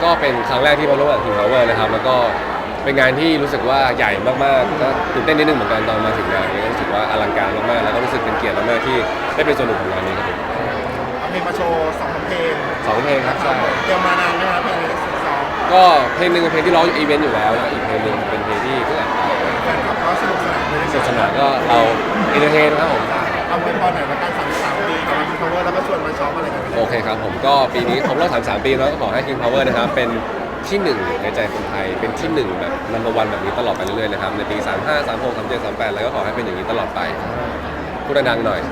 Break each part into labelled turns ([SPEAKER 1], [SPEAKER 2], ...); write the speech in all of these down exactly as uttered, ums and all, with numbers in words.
[SPEAKER 1] ก็เป็นครั้งแรกที่มาร่วมกับ King Power นะครับแล้วก็เป็นงานที่รู้สึกว่าใหญ่มากๆก็ตื่นเต้นนิดนึงเหมือนกันตอนมาถึงงานนี้ก็รู้สึกว่าอลังการมากๆแล้วก็รู้สึกเป็นเกียรติมากๆที่ได้เป็นส่วนหนึ่งของงานนี้ครับผม
[SPEAKER 2] เอาเพลงมาโชว์สองเพลง
[SPEAKER 1] สองเพลงครับใช่
[SPEAKER 2] เตรียมมานานไหมครับเพลงนี้สอง
[SPEAKER 1] ก็เพลงหนึ่งเป็นเพลงที่ร้องอยู่อีเวนต์อยู่แล้วแล้วอีกเพลงหนึ่งเป็นเพลงที่เพิ่งอัดไป
[SPEAKER 2] แฟนคลับก็สนุกสนานเลย
[SPEAKER 1] สนุกสนานก็เราเอนเตอร์เทนครับผม
[SPEAKER 2] เอาไว้พอหน่อยละกันสามสิบสามปีกับ King Power แล้วก็ชวนมาซ้อมอะไรกัน
[SPEAKER 1] โอเคครับผมก็ปีนี้ครบรอบสามสิบสามปีแล้วก็ขอให้ King Power นะครับเป็นที่หนึ่งในใจคนไทยเป็นที่หนึ่งแบบนัมเบอร์วันแบบนี้ตลอดไปเรื่อยๆนะครับในปีสามห้า สามหก สามเจ็ด สามแปดแล้วก็ขอให้เป็นอย่างนี้ตลอดไปพูดดังๆหน่อย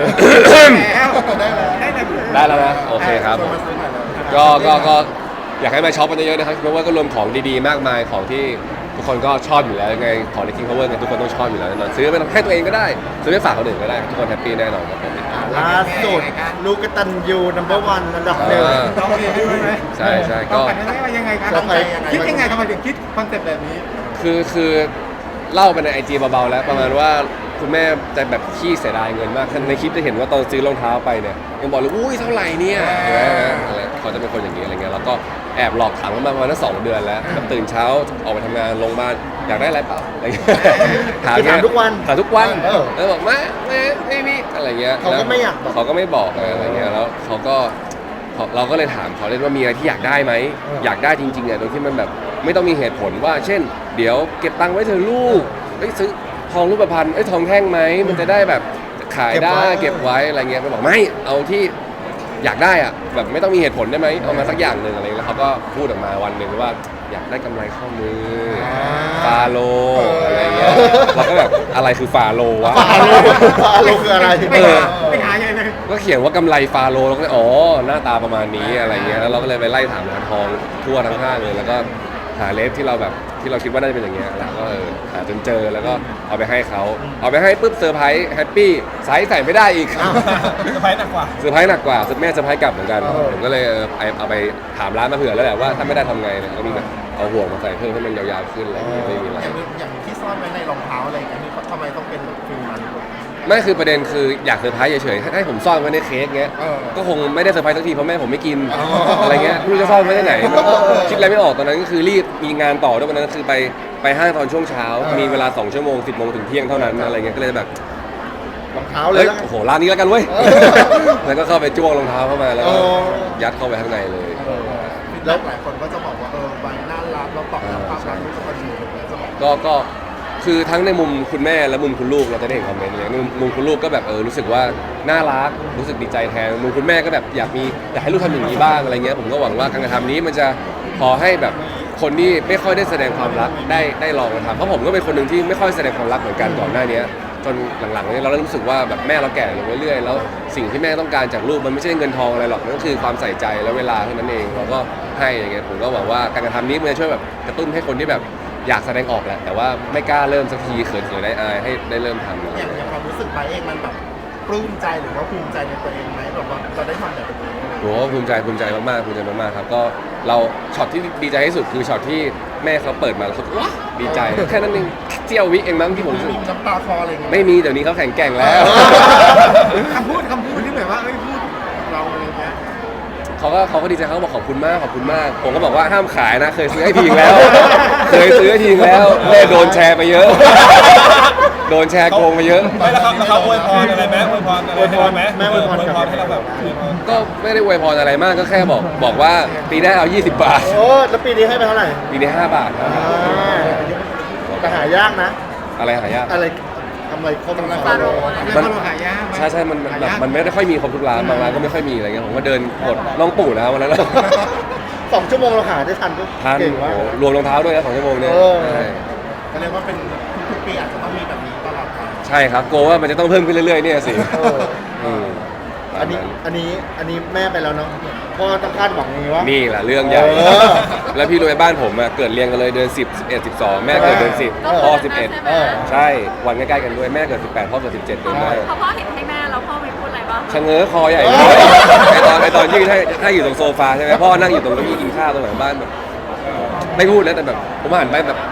[SPEAKER 1] ได้แล้วนะโอเคครับก็ก็ก็อยากให้มาช็อปกันเยอะๆนะครับเพราะว่าก็รวมของดีๆมากมายของที่ทุกคนก็ชอบอยู่แล้วยังไงของใน King Power เนี่ยทุกคนต้องชอบอยู่แล้วแน่นอนซื้อไปให้ตัวเองก็ได้ซื้อไปฝากคนอื่นก็ได้ทุกคนแฮปปี้แน่นอนครับผม
[SPEAKER 3] ล่าสุดลูกกตัญญู นัมเบอร์วันอันดับหนึ่ง
[SPEAKER 2] ต้องเรียนด้วยไหม
[SPEAKER 1] ใช่ใช่ก็
[SPEAKER 2] ยังไงครับคิดยังไงทำไมถึงคิดคอนเซ็ปต์แบบนี้
[SPEAKER 1] คือคือเล่าไปในไอจีเบาๆแล้วประมาณว่าคุณแม่จะแบบขี้เสียดายเงินมากในคลิปจะเห็นว่าตอนซื้อรองเท้าไปเนี่ยยังบอกเลยอุ้ยเท่าไหร่เนี่ยเขาจะเป็นคนอย่างนี้อะไรเงี้ยแล้วก็แอบหลอกถามเขามาประมาณสองเดือนแล้วตื่นเช้าออกไปทำงานลงบ้านอยากได้อะไรเปล่าอะไรเงี้ย
[SPEAKER 3] ถามทุกวัน
[SPEAKER 1] ถามทุกวันแล้วบอกไม่ไม่ไม่มีอะไรเงี้ย
[SPEAKER 3] เขาก็ไม่อยาก
[SPEAKER 1] เขาก็ไม่บอกอะไรเงี้ยแล้วเขาก็เราก็เลยถามเขาเล่นว่ามีอะไรที่อยากได้ไหมอยากได้จริงๆเนี่ยโดยที่มันแบบไม่ต้องมีเหตุผลว่าเช่นเดี๋ยวเก็บตังค์ไว้เธอลูกไปซื้อทองรูปพรรณไอ้ทองแท่งไหมมันจะได้แบบขายได้เก็บไว้อะไรเงี้ยเขาบอกไม่เอาที่อยากได้อะแบบไม่ต้องมีเหตุผลได้ไหมเอามาสักอย่างหนึ่งอะไรแล้วเขาก็พูดออกมาวันหนึ่งว่าอยากได้กำไรข้อมือฟาโลอะไรเงี้ยเราก็แบบอะไรคือฟาโลวะ
[SPEAKER 3] ฟาโลฟาโลคืออะไร
[SPEAKER 2] ไปหาไปหายังไง
[SPEAKER 1] ก็เขียนว่ากำไรฟาโลแล้วก็อ๋อหน้าตาประมาณนี้อะไรเงี้ยแล้วเราก็เลยไปไล่ถามร้านทองทั่วทั้งห้างเลยแล้วก็หาเลฟที่เราแบบที่เราคิดว่าน่าจะเป็นอย่างเงี้ยแล้วก็เออหาจนเจอแล้วก็เอาไปให้เขาเอาไปให้ปุ๊บเซอร์ไพรส์แฮปปี้ไซส์ใส่ไม่ได้อีก
[SPEAKER 2] เซอร์ไพรส์หนักกว่า
[SPEAKER 1] เซอร์ไพรส์หนักกว่าแม่เซอร์ไพรส์กลับเหมือนกันผมก็เลยเอาไปถามร้านมาเผื่อแล้วแหละว่าถ้าไม่ได้ทำไงเนี่ยก็มีแบบเอาห่วงมาใส่เพิ่มให้มันยาวๆขึ้นอะไรไม่มีอะไร
[SPEAKER 2] อย่างที่ซ่อนไว้ในรองเท้าอะไรอย่างเงี้ยทำไมต้องเป็นฟิลนั้น
[SPEAKER 1] ไม่คือประเด็นคืออยากเซอร์ไพรส์เฉยๆให้ผมซ่อนไว้ในเค้กเงี้ยก็คงไม่ได้เซอร์ไพรส์สักทีเพราะแม่ผมไม่กินอะไรเงี้ยไม่รู้จะซ่อนไว้ที่ไหนคิดอะไรไม่ออกตอนนั้นก็คือรีบมีงานต่อด้วยวันนั้นคือไปไปห้างตอนช่วงเช้ามีเวลาสองชั่วโมงสิบโมงถึงเที่ยงเท่านั้นอะไรเงี้ยก็เลยแบบ
[SPEAKER 3] รองเท้าเลย
[SPEAKER 1] โอ้โหร้านนี้แล้วกันเว้ยแล้วก็เข้าไปจ้วงรองเท้าเข้ามาแล้วยัดเข้าไปข้างในเลย
[SPEAKER 2] แล้วหลายคนก็จะบอกว่าเออใบน่ารักเราตอบรับความรักรู้สึกว่าดี
[SPEAKER 1] ก็ก็คือทั้งในมุมคุณแม่และมุมคุณลูกเราจะได้เห็นคอมเมนต์เลยมุมคุณลูกก็แบบเออรู้สึกว่าน่ารักรู้สึกดีใจแทนมุมคุณแม่ก็แบบอยากมีอยากให้ลูกทำอย่างนี้บ้างอะไรเงี้ยผมก็หวังว่าการกระทำนี้มันจะพอให้แบบคนที่ไม่ค่อยได้แสดงความรักได้ได้ลองมาทำเพราะผมก็เป็นคนหนึ่งที่ไม่ค่อยแสดงความรักเหมือนกันก่อนหน้านี้จนหลังๆนี้เราเริ่มรู้สึกว่าแบบแม่เราแก่ลงเรื่อยๆแล้วสิ่งที่แม่ต้องการจากลูกมันไม่ใช่เงินทองอะไรหรอกนั่นก็คือความใส่ใจและเวลาเท่านั้นเองเราก็ให้อย่างเงี้ยผมก็หวังว่าการกระทำนี้มันจะช่วยแบบกระตุ้นให้คนที่แบบอยากแสดงออกแหละแต่ว่าไม่กล้าเริ่มสักทีเขินๆได้อายให้ได้เริ่มทำ
[SPEAKER 2] อย่างอย่างความรู้สึกไปเองมันแบบปลื้มใจหรือว่าภูมิใจในตัวเองไหมแบบว่าเราได้ทำแบบนี้
[SPEAKER 1] โอ้ภูมิใจภูมิใจมากๆภูมิใจมากๆครับก็เราช็อตที่ดีใจที่สุดคือช็อตที่แม่เขาเปิดมาแล้วเขาว้าดีใจแค่นั้นเองเจียววิเองมั้งที่ผม
[SPEAKER 2] มีน้ำตาคออะไรเงี้ย
[SPEAKER 1] ไม่มีเดี๋ยวนี้เขาแข็งแกร่งแล้ว
[SPEAKER 2] คำพูดคำพูดที่แบบว่าเอ้ยพูดเราอะไรเงี้ย
[SPEAKER 1] เขาก็เขาก็ดีใจเขาบอกขอบคุณมากขอบคุณมากผมก็บอกว่าห้ามขายนะเคยซื้อให้ทีแล้วเคยซื้อให้ทีแล้วแม่โดนแชร์ไปเยอะโดนแชร์โกงไปเยอะ
[SPEAKER 4] ไม่แล้วครับแล้วเขาอวยพรอะไรไหมอวยพรอะไรให้ไหม
[SPEAKER 3] แม่อวยพร
[SPEAKER 4] ให้เราแบบ
[SPEAKER 1] ก็ไม่ได้อวยพรอะไรมากก็แค่บอกบอกว่าปีหน้าเอายี่สิบบาท
[SPEAKER 3] โอ้แล้วปีนี้ให้ไปเท่าไหร่
[SPEAKER 1] ปีนี้ห้าบาท
[SPEAKER 3] แต่หายากนะ
[SPEAKER 1] อะไรหายาก
[SPEAKER 3] อะไรทำอะไรครบทั้ง
[SPEAKER 2] ฟาโรมันหายาก
[SPEAKER 1] ใช่ใช่มันแบบมันไม่ได้ค่อยมีครบทุกร้านบางร้านก็ไม่ค่อยมีอะไรเงี้ยผมก็เดินกดน้องปู่นะวันนั้น
[SPEAKER 3] สองชั่วโมงเราหาได้ทันก็
[SPEAKER 1] ทันรวมรองเท้าด้วยนะสองชั่วโมงเนี่ย
[SPEAKER 2] ก็เรียกว่าเป็นทุกปีอาจจะต้องมีแบบนี้ตลอดไป
[SPEAKER 1] ใช่ครับโกว่ามันจะต้องเพิ่มขึ้นเรื่อยๆเนี่ยสิ
[SPEAKER 3] อันนี้อันนี้อันนี้แม่ไปแล้วเนาะพ่อต้องคาดหวังอย่างนี้ว่า
[SPEAKER 1] นี่แหละเรื่องใหญ่แล้วพี่รวยบ้านผมเกิดเรียงกันเลยเดือนสิบ สิบเอ็ด สิบสองแม่เกิดเดือนสิบพ่อสิบเอ็ดใช่วันใกล้ๆกันด้วยแม่เกิดสิบแปดพ่อเกิดสิบเจ็ดเดือนได้
[SPEAKER 5] พอพ่อเห็นให้แม่แล้วพ่อไม่พูดอะไรบ้าง
[SPEAKER 1] ชะเง้อคอใหญ่ไอตอนไอตอนยืนให้ให้อยู่ตรงโซฟาใช่ไหมพ่อนั่งอยู่ตรงเก้าอี้กินข้าวตรงหลังบ้านแบบไม่พูดแล้วแต่แบบผมหันไปแบบเอ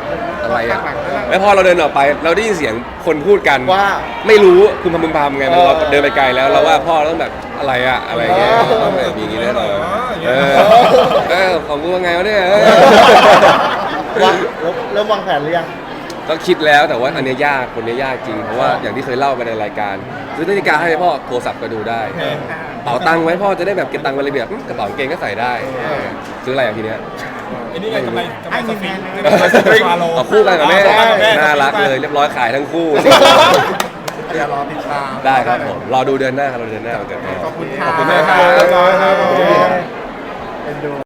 [SPEAKER 1] อะไรอ่ะแล้วพอเราเดินออกไปเราได้ยินเสียงคนพูดกัน
[SPEAKER 3] ว่า
[SPEAKER 1] ไม่รู้คุณพำพึงพำไงมัน
[SPEAKER 3] เออ
[SPEAKER 1] เราเดินไปไกลแล้วเราว่าพ่อต้องแบบอะไรอะอะไรเงี้ย
[SPEAKER 3] เออ
[SPEAKER 1] ต้องแบบอย่างงี้แน่นอน
[SPEAKER 4] อย่างเงี้
[SPEAKER 1] เอย อเออของกูว่าไงวะเนี่ยเออ
[SPEAKER 3] วางแล้วเริ่มวางแผนหรือยัง
[SPEAKER 1] ก็คิดแล้วแต่ว่าอันเนี้ยยากคนเนี้ยยากจริงเพราะว่าอย่างที่เคยเล่าไปในรายการซื้อนาฬิกาให้พ่อโทรศัพท์ก็ดูได้เป๋าตังค์ไว้พ่อจะได้แบบเก็บตังค์ไว้ระเบียบอืมกระเป๋ากางเกงก็ใส่ได้ซื้ออะไรอ่ะทีเนี้ย
[SPEAKER 4] ไอ้นี่ไงกำไรกำไรสฟิงค์
[SPEAKER 2] ให้เงินแม่
[SPEAKER 4] สฟิงค์ฟาโล
[SPEAKER 1] เอาคู่กันกับแม่
[SPEAKER 4] เอาคู่กันกับแม่
[SPEAKER 1] น่ารักเลยเรียบร้อยขายทั้งคู่
[SPEAKER 2] เดี๋ยวรอติดตาม
[SPEAKER 1] ได้ครับผมรอดูเดือนหน้าครับรอดูเดือนหน้าวันเกิดแม่
[SPEAKER 2] ขอบคุณค่ะ
[SPEAKER 1] ขอบคุณมากครับ
[SPEAKER 4] เรียบร้อยครับ
[SPEAKER 3] เป็นดู